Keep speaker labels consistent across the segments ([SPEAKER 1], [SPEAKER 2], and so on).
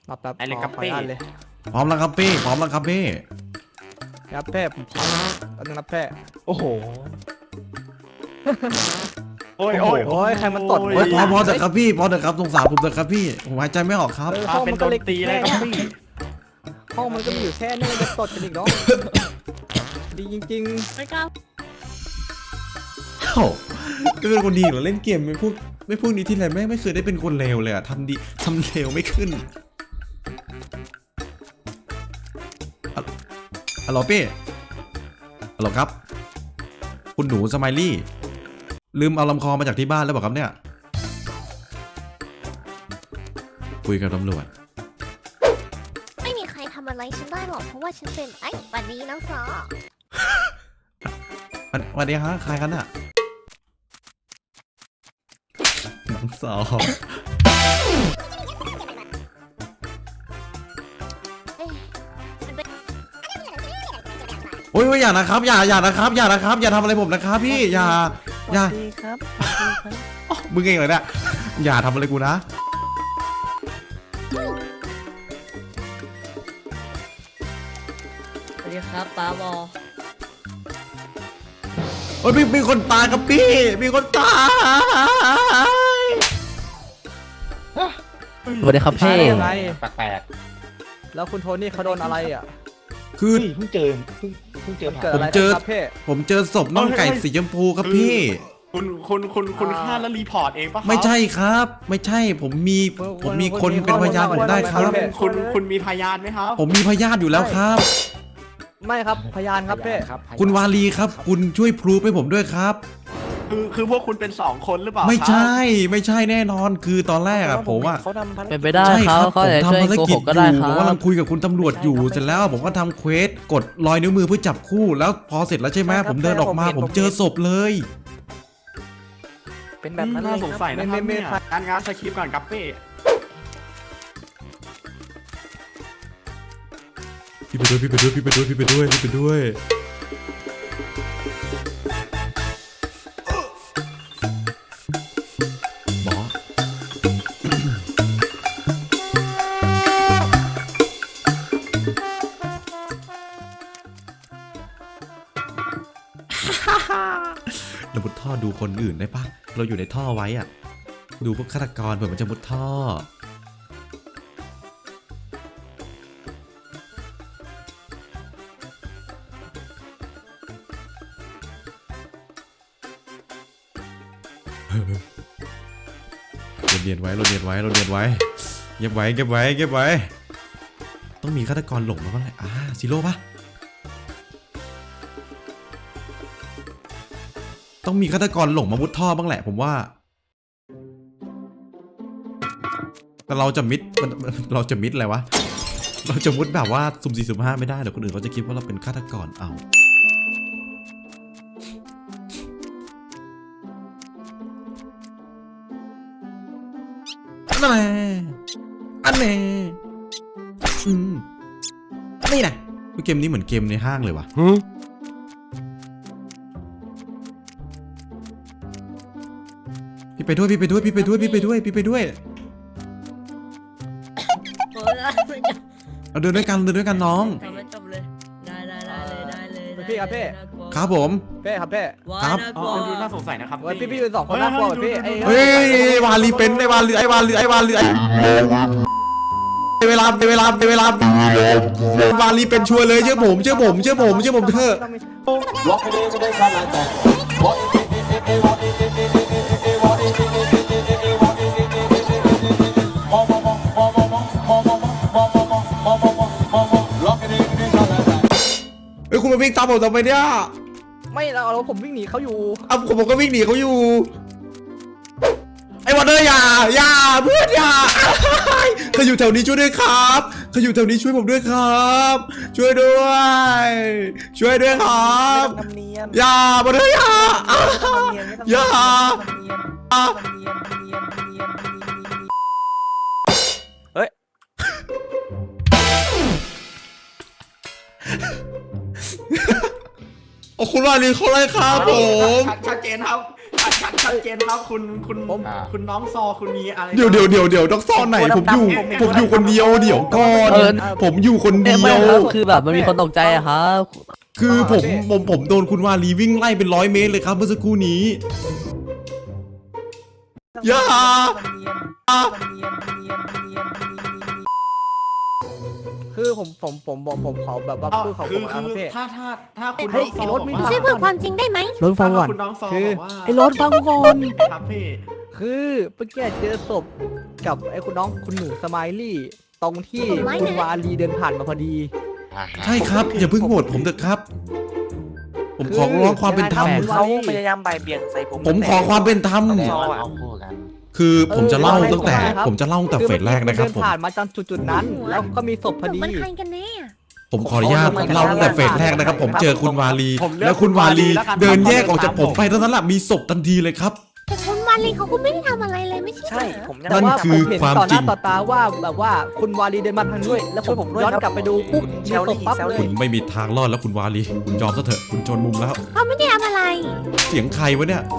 [SPEAKER 1] รับแป๊บ
[SPEAKER 2] ไอ้เล็กกับ
[SPEAKER 1] ขอ
[SPEAKER 2] เป้
[SPEAKER 1] อนุญาตเลย
[SPEAKER 3] พร้อมแล้วครับพี่พร้อมแล้วครับพี่
[SPEAKER 1] รับแพ้ผมพร้อมแล้วนึงรับแพ้
[SPEAKER 2] โอ้โหโอ้ยโอ้ย
[SPEAKER 1] โอ้ยใครมันตด
[SPEAKER 3] เฮ้ยพอเถอะครับพี่พอเถอะครับสงสารผมเถอะครับพี่ผมหายใจไม่ออกครับ
[SPEAKER 2] มาเป็นโดนตีเลยครับพี่
[SPEAKER 1] ห้องมันก็มีอยู่แค่นี้จะตดกันอีกเนาะดีจริง
[SPEAKER 4] ไม่กล้า
[SPEAKER 3] เอ้าก็เป็นคนดีเหรอเล่นเกมไม่พูดนี้ที่ไรไม่เคยได้เป็นคนเลวเลยอะทำดีทำเลวไม่ขึ้นฮัลโหลพี่ฮัลโหลครับคุณหนูสไมลี่ลืมเอาลำคอมาจากที่บ้านแล้วบอกครับเนี่ยคุยกับตำรวจ
[SPEAKER 4] ไม่มีใครทำอะไรฉันได้หรอกเพราะว่าฉันเป็นไอ้บัดนี้น้องสอ
[SPEAKER 3] วันนี้ฮะใครกันอะน้องสาว
[SPEAKER 4] เอ๊ะมันเป็น
[SPEAKER 3] โอ้ยอย่านะครับอย่านะครับอย่านะครับอย่าทำอะไรผมนะครับพี่อย่า
[SPEAKER 1] ดีครับ
[SPEAKER 3] อ๋อมึงเองเลยเนี่ยอย่าทำอะไรกูนะ
[SPEAKER 5] สวัสดีครับป้าบอ
[SPEAKER 3] โอ้ยมีคนตายครับพี่มีคนตาย
[SPEAKER 6] สวัสดีครับพี่
[SPEAKER 1] อะไร
[SPEAKER 2] แปลก
[SPEAKER 1] แล้วคุณโทนี่เขาโดนอะไรอ่ะ
[SPEAKER 3] คือ
[SPEAKER 2] ๆเพิ่งเจอผ่าน
[SPEAKER 1] เกิดอะไร
[SPEAKER 3] ผมเจอ
[SPEAKER 1] ครับพี่
[SPEAKER 3] ผมเจอศพน้องไก่สีชมพูครับพี่
[SPEAKER 2] คุณฆ่าแล้วรีพอร์ตเองปะครับ
[SPEAKER 3] ไม่ใช่ครับ ไม่ใช่ผมมีคนเป็นพยานผมได้ครับ
[SPEAKER 2] คุณมีพยานไหมครับ
[SPEAKER 3] ผมมีพยานอยู่แล้วครับ
[SPEAKER 1] ไม่ครับพยานครับพี่
[SPEAKER 3] คุณวาลีครับ คุณช่วยพรูฟให้ผมด้วยครับ
[SPEAKER 2] คือพวกคุณเป็น2 คนหรือเปล่า
[SPEAKER 3] ไม่ใช่แน่นอนคือตอนแรกอะผมอะ
[SPEAKER 1] เขาทำภารกิจ
[SPEAKER 6] เป็นไปได้
[SPEAKER 3] ใช่
[SPEAKER 6] เขา
[SPEAKER 3] ครับ
[SPEAKER 6] เขา
[SPEAKER 3] ผม
[SPEAKER 6] จะช่วย
[SPEAKER 3] ทำภาร
[SPEAKER 6] โก
[SPEAKER 3] กิ
[SPEAKER 6] ห
[SPEAKER 3] จ
[SPEAKER 6] กก็ได้
[SPEAKER 3] อยู่
[SPEAKER 6] ค
[SPEAKER 3] ผม
[SPEAKER 6] รับ
[SPEAKER 3] กำลังคุยกับคุณตำรวจอยู่เสร็จแล้วผมก็ทำเควสกดรอยนิ้วมือเพื่อจับคู่แล้วพอเสร็จแล้วใช่ไหมผมเดินออกมาผมเจอศพเลย
[SPEAKER 1] เป็นแบบนั้น
[SPEAKER 2] น่าสงสัยนะครับ
[SPEAKER 1] ไม่
[SPEAKER 2] เนี่ยงานสคริปต์ก่อนกับเป้
[SPEAKER 3] พี่ไปด้วยหมอ เรามุดท่อดูคนอื่นได้ปะเราอยู่ในท่อไว้อะดูพวกฆาตกรเผื่อมันจะมุดท่อเราเรียนไว้เก็บไว้ต้องมีฆาตกรหลงมาบ้างแหละซีโร่ปะต้องมีฆาตกรหลงมามุดท่อบ้างแหละผมว่าแต่เราจะมิดเราจะมิดอะไรวะเราจะมุดแบบว่าสุ่ม4สุ่ม5ไม่ได้เดี๋ยวคนอื่นเขาจะคิดว่าเราเป็นฆาตกรเอาอันแน่นี่นะเกมนี้เหมือนเกมในห้างเลยวะพี่ไปด้วย
[SPEAKER 5] โอ้ยไม่จบ
[SPEAKER 3] เราเดินด้วยกันน้อง
[SPEAKER 5] ทำไม่จบเลยได้เลย
[SPEAKER 1] พี่ครับพี่
[SPEAKER 3] ครับผม
[SPEAKER 1] เป้ครับเป้
[SPEAKER 5] ว้า
[SPEAKER 3] ครับ
[SPEAKER 5] น่าก
[SPEAKER 2] อ๋
[SPEAKER 5] ลั
[SPEAKER 2] อ
[SPEAKER 5] ว
[SPEAKER 2] ดูน่าสงสัยนะครับ
[SPEAKER 1] เฮ้ยพี่เป็น2 คนน่ากลัวพี่
[SPEAKER 3] เฮ้ยวาลีเป็นไอ้วาลีเวลาวาลีเป็นชัวร์เลยเชื่อผมเถอะ เฮ้ยคุณมาวิ่งตามผมทำไมเนี่ย
[SPEAKER 1] ไม่เราผมวิ่งหนีเขาอยู่
[SPEAKER 3] ผมก็วิ่งหนีเขาอยู่ไอ้วันเดอร์อย่าเพื่อนอย่าเขาอยู่แถวนี้ช่วยด้วยครับเขาอยู่แถวนี้ช่วยผมด้วยครับช่วยด้วยครับอย่าวันเดอร์อย่า
[SPEAKER 1] เฮ้ย
[SPEAKER 3] โอ้คุณวาลีเขาไล่ครับผม
[SPEAKER 2] ชัดเจนครับชัดเจนครับคุณน้องซอคุณมีอะไร
[SPEAKER 3] เดี๋ยวต้องซ่อนไหนผมอยู่คนเดียวเดี๋ยวก่อนผมอยู่คนเดียว
[SPEAKER 6] คือแบบมันมีคนตกใจอะครับ
[SPEAKER 3] คือผมโดนคุณวาลีวิ่งไล่เป็น100 เมตรเลยครับเมื่อสักครู่นี้อย่า
[SPEAKER 1] คือผมขอแบบว่าพูดขอ
[SPEAKER 2] คือ
[SPEAKER 1] ผมพี่
[SPEAKER 2] ถ้าคุณ
[SPEAKER 1] เฮ้
[SPEAKER 2] น้
[SPEAKER 1] ย
[SPEAKER 2] องซ
[SPEAKER 1] ไอ้
[SPEAKER 2] อ
[SPEAKER 1] รถไม่
[SPEAKER 2] บอก
[SPEAKER 4] ช่วย
[SPEAKER 2] ว่า
[SPEAKER 4] พูดความจริงได้ไหม
[SPEAKER 1] รถฟังก่อน
[SPEAKER 2] คุณน้องซอ
[SPEAKER 1] คือ
[SPEAKER 2] บอกว่า
[SPEAKER 1] ไอ้รถฟังก่อน
[SPEAKER 2] ครับพี่
[SPEAKER 1] คือเมื่อกี้เจอศพกับไอ้คุณน้องคุณหนูสไมลี่ตรงที่คุณวาลีเดินผ่านมาพอดี
[SPEAKER 3] ใช่ครับอย่าเพิ่งโหวตผมเถอะครับ ผมขอร้องความเป็นธรรม
[SPEAKER 1] คือ
[SPEAKER 6] เขาพยายามบ่ายเบี่ยงใส่ผม
[SPEAKER 3] ผมขอความเป็นธรรม
[SPEAKER 6] ซออะ
[SPEAKER 3] คือผมจะเล่าตั้งแต่
[SPEAKER 1] ครับ
[SPEAKER 3] ผมจะเล่าตั้งแต่เฟสแรกนะครับ
[SPEAKER 1] เดิ
[SPEAKER 3] ผม
[SPEAKER 1] ผ่านมาจนจุดนั้น แล้วก็มีศพพอดี
[SPEAKER 4] มันใครกันแน่อะ
[SPEAKER 3] ผมขออนุญาตเล่าตั้งแต่เฟสแรกนะครับ ผมเจอคุณวาลี
[SPEAKER 2] ผมเลือก
[SPEAKER 3] แล้วคุณวาลี
[SPEAKER 2] แล้วกัน
[SPEAKER 3] เดินแยกออกจากผมไปเท่านั้นแหละมีศพทันทีเลยครับ
[SPEAKER 4] แต่คุณวาลีเขาก็ไม่ได้ทำอะไรเลยไม่ใช่
[SPEAKER 6] ใช่
[SPEAKER 4] เหรอ
[SPEAKER 6] ผมยัง
[SPEAKER 3] นั่น
[SPEAKER 1] แต่ว่า
[SPEAKER 3] คือ
[SPEAKER 1] ผมเห็น
[SPEAKER 3] ความ
[SPEAKER 1] ต่อห
[SPEAKER 3] จริ
[SPEAKER 1] น้าง ต่อตาว่าแบบว่าคุณวาลีเดินมาทางด้วย แล้ว
[SPEAKER 6] ช่วยผมด้วย
[SPEAKER 1] ย้อน
[SPEAKER 6] ครับ
[SPEAKER 1] กลับไปดูปุ๊บมีศพปั๊บเลย
[SPEAKER 3] คุณไม่มีทางรอดแล้วคุณวาลีคุณยอมซะเถอะคุณจนมุมแล้ว
[SPEAKER 4] เขาไม่ได้ทำอะไร
[SPEAKER 3] เสียงใครวะเนี่ย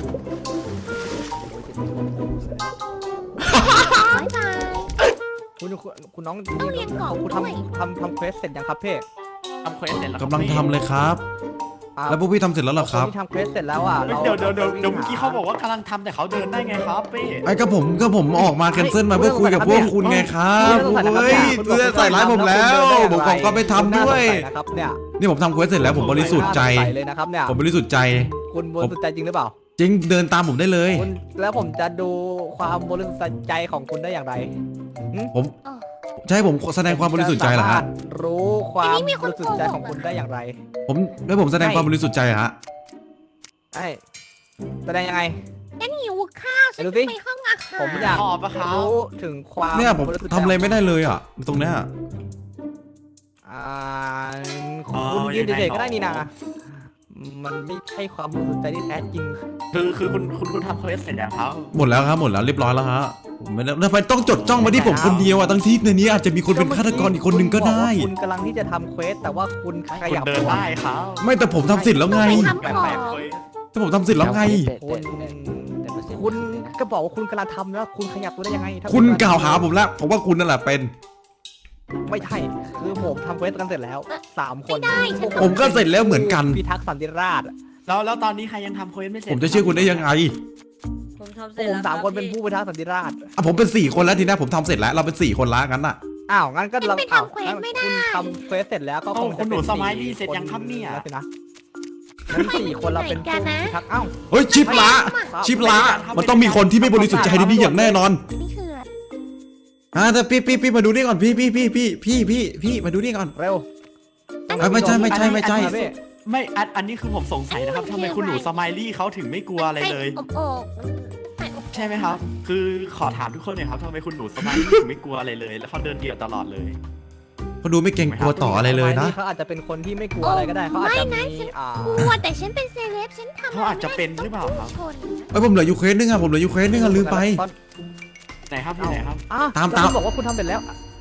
[SPEAKER 4] บ๊ายบาย
[SPEAKER 1] คุณน้อง
[SPEAKER 4] ต้องเรียนก่อน
[SPEAKER 1] คุณ
[SPEAKER 4] ด้วย
[SPEAKER 1] ทำเควสเสร็จยังครับพี่
[SPEAKER 2] ทำเควสเสร็จแล้ว
[SPEAKER 3] กำลังทำเลยครับ แล้วพวกพี่ทำเสร็จแล้วเหรอครับ
[SPEAKER 1] นที่ทำเควสเสร็จแล้วอ่ะ
[SPEAKER 2] เดี๋ยวเมื่อกี้เขาบอกว่ากำลังทำแต่เขาเดินได้ไงครับพี่
[SPEAKER 3] ไอ้ก็ผมออกมาแคนเซิลมาเพื่อคุยกับพวกคุณไงครับเฮ้ยคุณจะใส่ร้ายผมแล้วผมขอก็ไปทำด้วย
[SPEAKER 1] นะครับเนี่ย
[SPEAKER 3] นี่ผมทำเควสเสร็จแล้วผมบริสุทธิ์ใจ
[SPEAKER 1] น่าสงสัยเลยนะครับเนี่ย
[SPEAKER 3] ผมบริสุทธิ์ใจ
[SPEAKER 1] คุณบริสุทธิ์ใจจริงหรือเปล่า
[SPEAKER 3] จริงเดินตามผมได้เลย
[SPEAKER 1] คุณแล้วผมจะดูความบริสุทธิ์ใจของคุณได้อย่างไร
[SPEAKER 3] ผมใช่ผมแสดงความบริสุทธิ์ใจเหรอฮะ
[SPEAKER 1] จสามารถรู้ความบริสุทธิ์ใจของคุณได้อย่างไร
[SPEAKER 3] ผมแสดงความบริสุทธิ์ใจเหรอฮะ
[SPEAKER 1] ไอ้แสดงยังไง
[SPEAKER 4] ฉันหิวข้าวฉัน
[SPEAKER 1] ดู
[SPEAKER 4] จะ
[SPEAKER 1] สิ
[SPEAKER 4] ไปห้องอาหาร
[SPEAKER 1] ผมอยาก
[SPEAKER 2] ขอบปะครับ
[SPEAKER 1] รู้ถึงความ
[SPEAKER 3] เนี่ยผม
[SPEAKER 1] บริสุทธิ์ใจ
[SPEAKER 3] ทำอะไรไม่ได้เลยอ่ะตรงเนี้ย
[SPEAKER 1] อ่าคุณยืนเฉยๆก็ได้นี่นะมันไม่ใช่ความบริสุทธิ์ใจที่แท้จริง
[SPEAKER 2] คือคุณทำเควสเสร็จแล้วครับ
[SPEAKER 3] หมดแล้วครับหมดแล้วเรียบร้อยแล้วฮะผมไม่ได้ทำไมต้องจดจ้องมาที่ผมคนเดียวอ่ะทั้งที่ในนี้อาจจะมีคนเป็นฆาตกรอีกคนนึงก็ได้
[SPEAKER 1] คุณบอกว่าคุณกำลังที่จะทำเควสแต่ว่าคุณข
[SPEAKER 2] คุณ
[SPEAKER 1] ยับ
[SPEAKER 2] เดินได้ครับ
[SPEAKER 3] ไม่แต่ผมทำเสร็จแล้วไง
[SPEAKER 4] ต้องไปทำ
[SPEAKER 2] แป
[SPEAKER 4] ข
[SPEAKER 2] ล
[SPEAKER 4] อก ง
[SPEAKER 2] ๆเควส
[SPEAKER 3] แต่ผมทำเสร็จแล้วไง
[SPEAKER 1] คุณก็บอกว่าคุณกำลังทำแล้วคุณขยับตัวได้ยังไงถ้า
[SPEAKER 3] คุณกล่าวหาผมแล้วผมว่าคุณนั่นแหละเป็น
[SPEAKER 1] ไม่ใช่คือผมทำเควสกันเสร็จแล้ว3 คน
[SPEAKER 4] ไม่ได้ฉัน
[SPEAKER 3] ผมก็เสร็จแล้วเหมือนกัน
[SPEAKER 1] พิทักษ์สันติราษฎร์
[SPEAKER 2] แล้วตอนนี้ใครยังทำเควสไม่เสร็จ
[SPEAKER 3] ผมจะเชื่อคุณได้ยังไง
[SPEAKER 5] ผมทำเส
[SPEAKER 1] ผ
[SPEAKER 5] ร็จ
[SPEAKER 1] ม
[SPEAKER 5] แล้ว
[SPEAKER 1] สาม
[SPEAKER 5] รับ
[SPEAKER 1] คนเป็น
[SPEAKER 5] พี่
[SPEAKER 1] ผู้พิทักษ์สันติราษฎร์
[SPEAKER 3] อ่ะผมเป็น4 คนแล้วทีนี้ผมทำเสร็จแล้วเราเป็น4 คนละงั้นน่ะ
[SPEAKER 1] อ้าวงั้นก็เรา
[SPEAKER 4] ไม่
[SPEAKER 1] อ้าว
[SPEAKER 4] ทำเควสไม่ได้
[SPEAKER 1] คุณทำเควสเสร็จแล้วก็คงจะ
[SPEAKER 2] คุณหนู
[SPEAKER 1] เป็น
[SPEAKER 2] สมัยนี่เสร็จยังครับเนี่ย
[SPEAKER 1] แล้วสินะงั้น4 คนเราเป็นผู้พิทักษ์อ้าว
[SPEAKER 3] เฮ้ยชิปละชิปละมันต้องมีคนที่ไม่บริสุทธิ์ใจในนี้อย่างแน่นอน
[SPEAKER 4] นี่คือ
[SPEAKER 3] แต่พี่มาดูนี่ก่อนพี่มาดูนี่ก่อน
[SPEAKER 1] เร็ว
[SPEAKER 3] ไม่ใช่
[SPEAKER 2] ไม่อันนี้คือผมสงสัยนะครับทำไมคุณหนูสไมลี่เขาถึงไม่กลัวอะไรเลย
[SPEAKER 4] อบโอกไก่อบ
[SPEAKER 2] ใช่ไหมครับ คือขอถามทุกคนหน่อยครับทำไมคุณหนูสไมลี่ถึงไม่กลัวอะไรเลย แล้วเขาเดินเดี่ยวตลอดเลย
[SPEAKER 3] เขาดูไม่เกรงกลัวต่ออะไรเลยนะ
[SPEAKER 1] เขาอาจจะเป็นคนที่ไม่กลัวอะไรก็ได้เขาอาจจะมี
[SPEAKER 4] กลัวแต่ฉันเป็นเซเลบฉันทำ
[SPEAKER 2] เขาอาจจะเป็นหรือเปล่าครับ
[SPEAKER 4] ชน
[SPEAKER 3] เอ้ยผมเหลืออยู่เควสนึงอ่ะลืมไป
[SPEAKER 2] ไหนครับที่ไหนครับ
[SPEAKER 3] ตาม
[SPEAKER 1] คุณบอกว่าคุณทำเสร็จแล้ว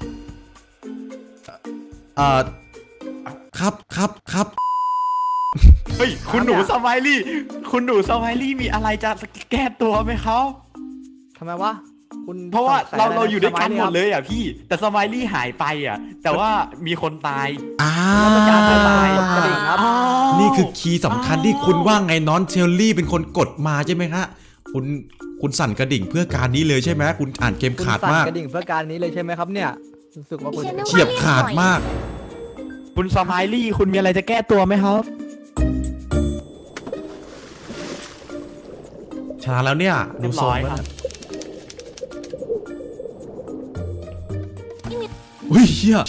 [SPEAKER 3] ครับ
[SPEAKER 2] เฮ้ยคุณหนูสไมลี่คุณหนูสไมลี่มีอะไรจะแก้ตัวไหมครับ
[SPEAKER 1] ทำไมวะคุณ
[SPEAKER 2] เพราะว่า
[SPEAKER 1] สงสั
[SPEAKER 2] เราอยู่ด้วยกันหมด
[SPEAKER 1] ทำไ
[SPEAKER 2] เลยอ่ะพี่ แต่สไมลี่หายไปอ่ะ แต่ว่ามีคนตาย
[SPEAKER 3] นี่คือคีย์สำคัญที่คุณว่าไงน้องเชลลี่เป็นคนกดมาใช่ไหมฮะคุณสั่นกระดิ่งเพื่อการนี้เลยใช่ไหมคุณอ่านเกม
[SPEAKER 1] คุณ
[SPEAKER 3] ขาด
[SPEAKER 1] สั่น
[SPEAKER 3] มาก
[SPEAKER 1] กระดิ่งเพื่อการนี้เลยใช่ไหมครับเนี่ยรู้สึกว่าคุณ
[SPEAKER 3] เฉียบขาดมาก
[SPEAKER 2] คุณสไมลี่คุณมีอะไรจะแก้ตัวไหมครับ
[SPEAKER 3] ชนะแล้วเนี่ยดูทรง
[SPEAKER 2] เรียบร้อย
[SPEAKER 3] แล้ว
[SPEAKER 2] ครับ
[SPEAKER 3] เฮ้ยเชี่ย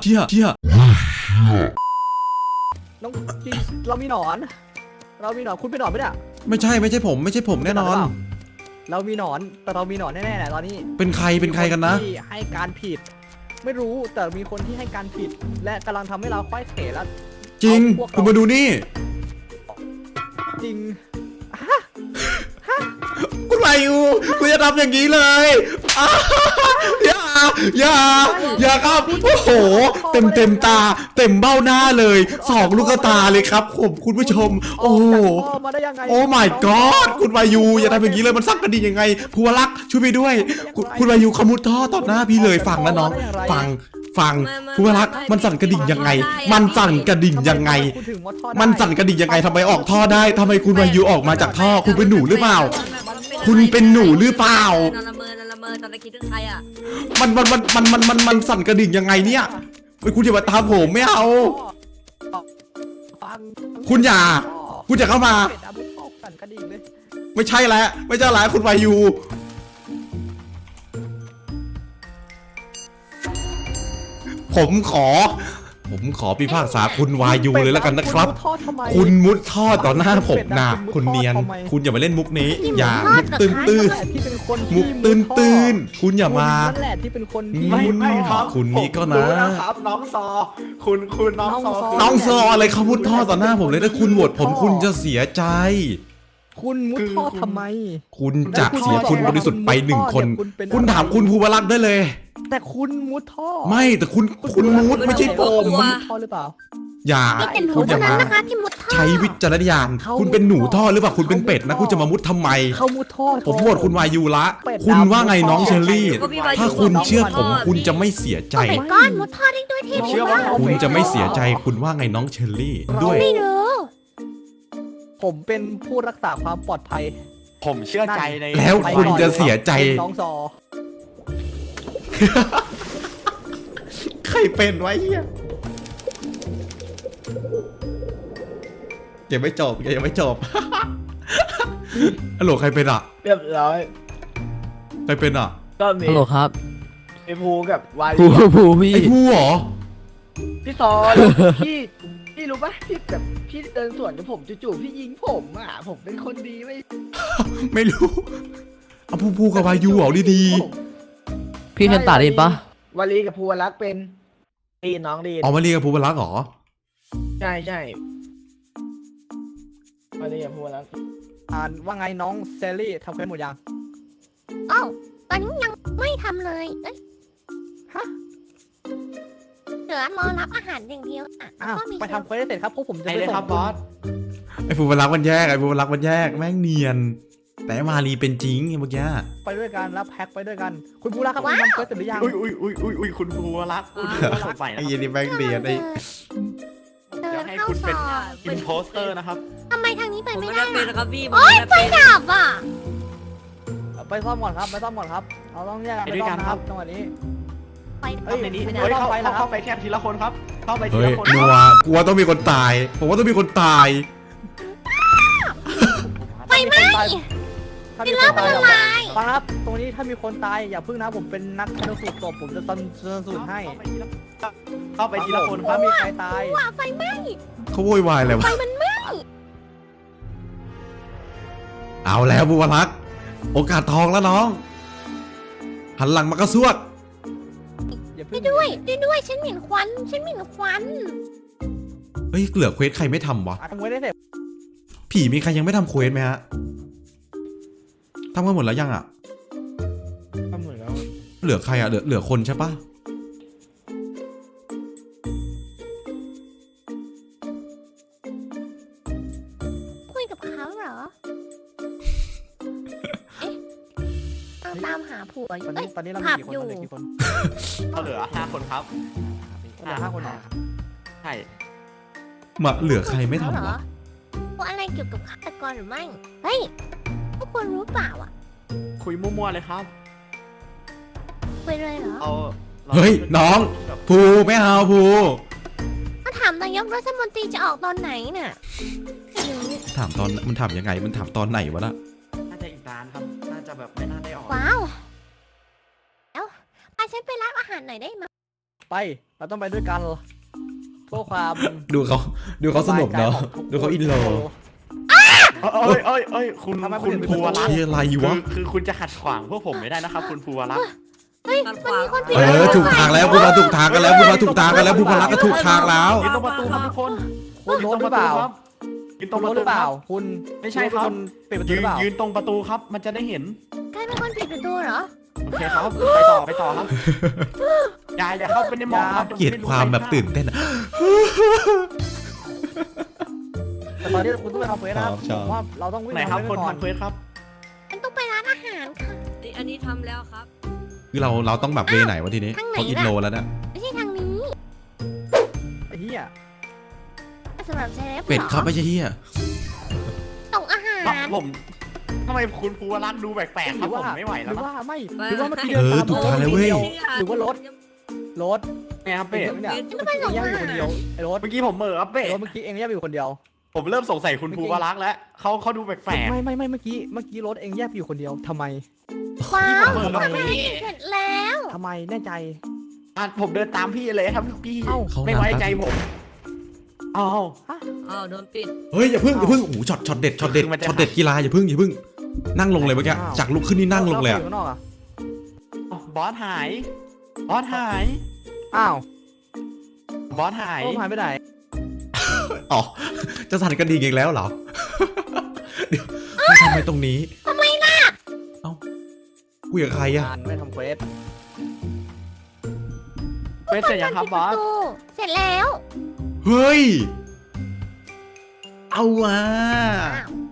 [SPEAKER 1] น้องจีเรามีหนอนคุณเป็นหนอนไหมเนี่ย
[SPEAKER 3] ไม่ใช่ผมแน่นอน
[SPEAKER 1] เรามีหนอนแต่เรามีหนอนแน่ๆแหละตอนนี้
[SPEAKER 3] เป็นใครกันนะ
[SPEAKER 1] ที่ให้การผิด ไม่รู้แต่มีคนที่ให้การผิด และกำลังทำให้เราค่อยเขวแล้ว
[SPEAKER 3] จริง
[SPEAKER 1] พวกเ
[SPEAKER 3] คุณมาดูนี่
[SPEAKER 1] จริง
[SPEAKER 3] คุณมาอยู่คุณจะทำอย่างนี้เลยอย่าครับโอ้โหเต็มตาเต็มเบ้าหน้าเลย2 ลูกตาเลยครับผมคุณผู้ชมโอ้โห
[SPEAKER 1] พ่อมาได้ยังไง
[SPEAKER 3] โอ้ my god คุณวายูอย่าทำอย่างนี้เลยมันสั่งกระดิ่งยังไงภูวลักษณ์ช่วยไปด้วยคุณวายูขมุดท่อต่อหน้าพี่เลยฟังนะน้องฟังภูวลักษณ์มันสั่นกระดิ่งยังไง มันสั่นกระดิ่งยังไง มันสั่นกระดิ่งยังไงทำไมออกท่อได้ทำไมคุณวายูออกมาจากท่อคุณเป็นหนูหรือเปล่า คุณเป็นหนูหรือเปล่า
[SPEAKER 5] นละเมอตอนตะกี้ถึงใครอ่ะ
[SPEAKER 3] มันสั่นกระดิ่งยังไงเนี่ยเฮ้ยคุณอย่ามาตามผมไม่เอา คุณอย่าเข้ามา
[SPEAKER 1] เป็นอาวุธออกสั่นกระดิ่งเลย
[SPEAKER 3] ไม่ใช่แล้วคุณวายูผมขอพิพากษาคุณวายูเลยแล้วกันนะครับ คุณมุดท่อต่อหน้าผมนะคุณเนียน คุณอย่ามาเล่นมุกนี้ อย่ามุกตื้น
[SPEAKER 1] ที่เป็นคน
[SPEAKER 3] มุกตื้นคุณอย่ามา
[SPEAKER 1] นั่นแหละที่เป็นคนที่
[SPEAKER 2] ไม่ครับ
[SPEAKER 3] คุณนี่ก็นะ
[SPEAKER 2] ผมรู้นะครับน้องซอคุณน้องซอ
[SPEAKER 3] น้องซออะไรเขามุดท่อต่อหน้าผมเลยถ้าคุณโหวตผมคุณจะเสียใจ
[SPEAKER 1] คุณมุดท่อทำไม
[SPEAKER 3] คุณจะเสียคุณบริสุทธิ์ไป1 คน คุณถามคุณภูวลักษณ์ได้เลย
[SPEAKER 1] แต่คุณมุดท่อ
[SPEAKER 3] ไม่แต่คุณมุดไม่ใช่ผม
[SPEAKER 1] มุดท่อหรือเปล่า
[SPEAKER 3] อย่า
[SPEAKER 4] นี่เป็นหนู
[SPEAKER 3] คุณอ
[SPEAKER 4] เท่า
[SPEAKER 3] ย่า
[SPEAKER 4] นั้น
[SPEAKER 3] มา
[SPEAKER 4] นะคะที่มุดท่อ
[SPEAKER 3] ใช้วิจารณญาณคุณเป็นหนูท่อหรือเปล่าคุณเป็นเป็ดนะคุณจะมามุดทำไม
[SPEAKER 1] เขามุดท่อ
[SPEAKER 3] ผมโหวตคุณวายูละ
[SPEAKER 1] เป็ด
[SPEAKER 3] คุณว่าไง
[SPEAKER 1] ดำ
[SPEAKER 3] น้องเชอรี่
[SPEAKER 5] ก็พี่วายู
[SPEAKER 3] ถ้าคุณ
[SPEAKER 5] บอกน้อง
[SPEAKER 3] เชื่อผม
[SPEAKER 5] มุดท่อ
[SPEAKER 3] คุณจะไม่เสียใจ
[SPEAKER 4] โอ้ my god มุดท่อได้ด้วยเท่
[SPEAKER 2] เชื่อว่า
[SPEAKER 4] มาก
[SPEAKER 3] คุณจะไม่เสียใจคุณว่าไงน้องเชอรี่ด้วย
[SPEAKER 4] ไม่รู้
[SPEAKER 1] ผมเป็นผู้รักษาความปลอดภัย
[SPEAKER 2] ผมเชื่อใจใน
[SPEAKER 3] แล้วคุณจะเสียใจ
[SPEAKER 1] น้องซอ
[SPEAKER 3] ใครเป็นวะเฮียยังไม่จบฮัลโหลใครเป็นอ่ะ
[SPEAKER 7] เรียบร้อย
[SPEAKER 3] ใครเป็นอ่ะ
[SPEAKER 7] ก็มี
[SPEAKER 6] ฮัลโหลครับ
[SPEAKER 7] ไอ้ภูกับวา
[SPEAKER 6] ผู
[SPEAKER 7] ลี
[SPEAKER 6] ผูพี่
[SPEAKER 3] ไอ้ผู้เหรอ
[SPEAKER 7] พี่ซอนพี่รู้ปะพี่แบบพี่เดินสวนกับผมจู่ๆพี่ยิงผมอ่ะผมเป็นคนดีไม่
[SPEAKER 3] ไม่รู้เอาผู้กับวายูเหรอดี
[SPEAKER 6] พี่เคนตาได้ยินปะ
[SPEAKER 7] วาลีกับภูวรักษ์เป็นดีน้องดี
[SPEAKER 3] ๆอ๋อมาเรียกกับภูวลักษณ์เหรอ
[SPEAKER 7] ใช่วาลีกับภูวรักษ์
[SPEAKER 1] ว่าไงน้องเซรี่ทำเควสหมดยัง
[SPEAKER 4] อ้าวตอนนี้ยังไม่ทำเลยเอ้ย
[SPEAKER 1] ฮะ
[SPEAKER 4] เหลือรอรับอาหารอย่างเดียวอ่ะ
[SPEAKER 1] อ้าว
[SPEAKER 4] ก็มี
[SPEAKER 1] ไปทำเควสให้เสร็จครับพวกผมจะ
[SPEAKER 2] ไอ้
[SPEAKER 1] ไป
[SPEAKER 2] เลย
[SPEAKER 1] ส่ง
[SPEAKER 2] ครับบอส
[SPEAKER 3] ไอ้ภูวลักษณ์มันแยกแม่งเนียน แต่มารีเป็นจริงเมื่อกี้
[SPEAKER 1] ไปด้วยกันรับแพ็คไปด้วยกัน คุณผู้รักครับคุณทำเควสเสร็จหรือยัง
[SPEAKER 2] อุ้ยคุณภูวรักษ์คุณสงสัยนะ
[SPEAKER 3] ไอ้ยีนี่แม่งเนียนไอ้
[SPEAKER 4] เดิ
[SPEAKER 2] เดี๋ยวน ให้
[SPEAKER 4] เข้า
[SPEAKER 2] คุณ
[SPEAKER 4] ซ
[SPEAKER 2] เป็น
[SPEAKER 4] อย
[SPEAKER 2] อินโพสเตอร์นะครับ
[SPEAKER 4] ทำไมทางนี้ไป
[SPEAKER 5] ผม
[SPEAKER 4] ไม่
[SPEAKER 5] ไม่
[SPEAKER 4] ได้
[SPEAKER 5] ได้เป็น
[SPEAKER 4] ล่ะ
[SPEAKER 5] นะครับพี่ผม
[SPEAKER 4] โอ๊ย
[SPEAKER 5] ไม่ได้เป็น
[SPEAKER 4] ดับอ่ะ
[SPEAKER 1] ไปซ่อมก่อนครับเราต้องแยกกัน
[SPEAKER 2] ไป
[SPEAKER 1] ไป
[SPEAKER 2] ด้วย
[SPEAKER 1] ซ่อ
[SPEAKER 2] กั
[SPEAKER 1] ม
[SPEAKER 2] น
[SPEAKER 1] นะ
[SPEAKER 2] ค
[SPEAKER 1] ค
[SPEAKER 2] รั
[SPEAKER 1] รับ บจังหวะนี้
[SPEAKER 4] ไป
[SPEAKER 1] เฮ้ย
[SPEAKER 2] ในนี้
[SPEAKER 1] ไม่ได้
[SPEAKER 2] เฮ้ย
[SPEAKER 1] ต้องไปแล้วครับ
[SPEAKER 2] เข้าไปแค่ทีละคนครับเข้าไปที
[SPEAKER 3] เฮ้ย
[SPEAKER 2] ละคน
[SPEAKER 3] นัวกลัวต้องมีคนตายผมว่าต้องมีคนตาย
[SPEAKER 4] ไปไหม
[SPEAKER 1] ถ้ามีคนตายฟังครับ ตรงนี้ถ้ามีคนตายอย่าพึ่งนะผมเป็นนักชันสูตรศพผมจะชันสูตรให้
[SPEAKER 2] เข้าไปทีละคนค
[SPEAKER 1] ถ้า
[SPEAKER 2] รับ
[SPEAKER 1] มีใครตาย
[SPEAKER 4] ว่าไฟไหม้
[SPEAKER 3] เขาโวยวายอะไรวะ
[SPEAKER 4] ไฟมันไหม้
[SPEAKER 3] เอาแล้วภูวลักษณ์โอกาสทองแล้วน้อง หันหลังมากระซวก
[SPEAKER 1] อย่าพึ่ง
[SPEAKER 4] ด้วยฉันเหม็นควัน
[SPEAKER 3] เฮ้ยเหลือเควสใครไม่ทำวะ
[SPEAKER 1] ทำเควสได้เสร็จ
[SPEAKER 3] ผีมีใครยังไม่ทำเควสไหมฮะทำกันหมดแล้วยังอ่ะ
[SPEAKER 7] ก็เหมือนแล้ว
[SPEAKER 3] เหลือใครอ่ะเหลือคนใช่ปะ
[SPEAKER 4] คุยกับเขาเหรอ เอ๊ะตามหาผัวอ
[SPEAKER 1] ตอยู่ น
[SPEAKER 4] เอ้
[SPEAKER 1] นี้
[SPEAKER 4] ย
[SPEAKER 1] ตอนนี้เรา
[SPEAKER 4] ผั
[SPEAKER 1] มี
[SPEAKER 4] บ
[SPEAKER 1] กี่คน
[SPEAKER 4] อยู่
[SPEAKER 1] เราเหลือกี่คน
[SPEAKER 2] เราเหลือ5 คนครับ
[SPEAKER 1] เหลือ5 คนเหรอ
[SPEAKER 2] ใช่
[SPEAKER 3] มาเหลือใครไม่ทำ
[SPEAKER 4] เหร
[SPEAKER 3] วะ
[SPEAKER 4] อพวกอะไรเกี่ยวกับฆาตกรหรือไม่ เฮ้ยพวกคุณรู้เปล่าอ่ะ
[SPEAKER 2] คุยมั่วๆเลยครับ
[SPEAKER 4] ไปเลยเหรอ
[SPEAKER 2] เอา
[SPEAKER 3] เฮ้ยน้องภูไม่เอาภู
[SPEAKER 4] มาถามนายกรัฐมนตรีจะออกตอนไหนน่ะไม่รู้
[SPEAKER 3] ถามตอนมันถามยังไงมันถามตอนไหนวะน่ะ
[SPEAKER 2] น่าจะอีกนานครับน่าจะแบบไม่น่าได้ออก
[SPEAKER 4] ว้าวเอ้าพาฉันไปรับอาหารหน่อยได้ไหม
[SPEAKER 1] ไปเราต้องไปด้วยกันเพื่อความ
[SPEAKER 3] ดูเขาสนุกเนาะดูเขาอินโล
[SPEAKER 2] เอ้ยคุณภูวรักษ์
[SPEAKER 3] ที่อะไรวะ
[SPEAKER 2] คือคุณจะขัดขวางพวกผมไม่ได้นะครับคุณภูวรักษ์
[SPEAKER 4] เฮ้ยมันมีคนผิด
[SPEAKER 3] ถูกทางแล้วภูมาถูกทางกันแล้วภูมาถูกทางกันแล้วภูมารักก็ถูกทางแล้ว
[SPEAKER 2] ยืนตรงประตูครับทุกคน
[SPEAKER 1] คุณโน้ตหรือเปล่า
[SPEAKER 2] ยืนตรงป
[SPEAKER 1] โน้ต
[SPEAKER 2] ระ
[SPEAKER 1] ห
[SPEAKER 2] ตู
[SPEAKER 1] รือเปล่า
[SPEAKER 2] ครับ
[SPEAKER 1] คุณ
[SPEAKER 2] ไม่ใช่ครับ
[SPEAKER 1] ปิดประตูหรือเปล่า
[SPEAKER 2] ยืนตรงประตูครับ มันจะได้เห็น
[SPEAKER 4] ใครเป็นคนปิดประตูเหรอ
[SPEAKER 2] โอเคครับไปต่อครับอย่าเข้าไปในหมอกครับ
[SPEAKER 3] เกลียดความแบบตื่นเต้นอะ
[SPEAKER 1] แต่ตอนนี้คุณต้องไปทำเฟสนะครับ
[SPEAKER 3] ชอบ
[SPEAKER 1] ผมว่าเราต้องวิ่ง
[SPEAKER 2] ไหนครับ
[SPEAKER 1] ทำ
[SPEAKER 2] คน
[SPEAKER 1] เฟสก่อน
[SPEAKER 2] ทำเควสครับ
[SPEAKER 4] ฉันต้องไปร้านอาหารค่ะ
[SPEAKER 5] อันนี้ทำแล้วครับ
[SPEAKER 3] คือเราต้องแบบเวไหนวะทีนี้
[SPEAKER 4] ทางไหน
[SPEAKER 3] เขาอิน
[SPEAKER 4] น่ะ
[SPEAKER 3] โลแล้วนะ
[SPEAKER 4] ไม่ใช่ทางนี้
[SPEAKER 1] ไอ้เหี้ย
[SPEAKER 4] สำหรับเซเลบ
[SPEAKER 3] เป็ดครับ
[SPEAKER 4] หอ
[SPEAKER 3] ไม่ใช่เฮีย
[SPEAKER 4] ส่งอาหาร
[SPEAKER 2] ผมทำไมคุณภูวรักษ์ดูแปลกๆครับผมไม่ไหว
[SPEAKER 1] ห
[SPEAKER 2] แล้ว
[SPEAKER 1] รือ
[SPEAKER 2] นะ
[SPEAKER 1] ว่าไม่
[SPEAKER 5] ไม่
[SPEAKER 1] หรือว่าเมื่อกี้
[SPEAKER 3] เอ
[SPEAKER 1] เดิน
[SPEAKER 3] อ
[SPEAKER 1] ตาม
[SPEAKER 3] ถูกทางแล้วเว้ย
[SPEAKER 1] หรือว่ารถ
[SPEAKER 2] ไงครับเป็ด
[SPEAKER 1] เนี่ยเมื่อกี้เองย่าอยู่คนเดียวไอ้รถ
[SPEAKER 2] เมื่อกี้ผมเหม่อครับเป็ด
[SPEAKER 1] รถเมื่อกี้เองย่าอยู่คนเดียว
[SPEAKER 2] ผมเริ่มสงสัยคุณภูวรักษ์แล้วเขาดูแปลก
[SPEAKER 1] ไม่เมื่อกี้รถเองแยกไปอยู่คนเดียวทำไม
[SPEAKER 4] ว้าว
[SPEAKER 2] ๆผมเหม่อครับ
[SPEAKER 1] ทำไม
[SPEAKER 4] เสร็จแล้ว
[SPEAKER 1] ทำไมแน่ใจ
[SPEAKER 2] ผมเดินตามพี่เลยครับพี่
[SPEAKER 1] เอ้า
[SPEAKER 2] ไม่ไว้ใจผมอ้าว
[SPEAKER 5] อ้าวโดนปิด
[SPEAKER 3] เฮ้ยอย่าเพึ่งโอ้โหช็อตเด็ดกีฬาอย่าเพึ่งนั่งลงเลยเมื่อกี้จากลุกขึ้นนี่นั่งลงเลยอะ
[SPEAKER 1] ข้างนอกอะ
[SPEAKER 2] บอสหายบอสหาย
[SPEAKER 1] อ้าว
[SPEAKER 2] บอสหาย
[SPEAKER 1] โอ้หายไปไหน
[SPEAKER 3] อ๋อจะสั่นกระดิ่งอีกแล้วเหรอ เดี๋ยวมาทำไมตรงนี้ทำไมล่ะเอ้าคุยกับใครอะ
[SPEAKER 1] งานไม่ทำเควส
[SPEAKER 2] เป็นเสร็จยังครับบอส
[SPEAKER 4] ปิดประตูเสร็จแล้ว
[SPEAKER 3] เฮ้ยเอาว่ะ
[SPEAKER 4] อ้าว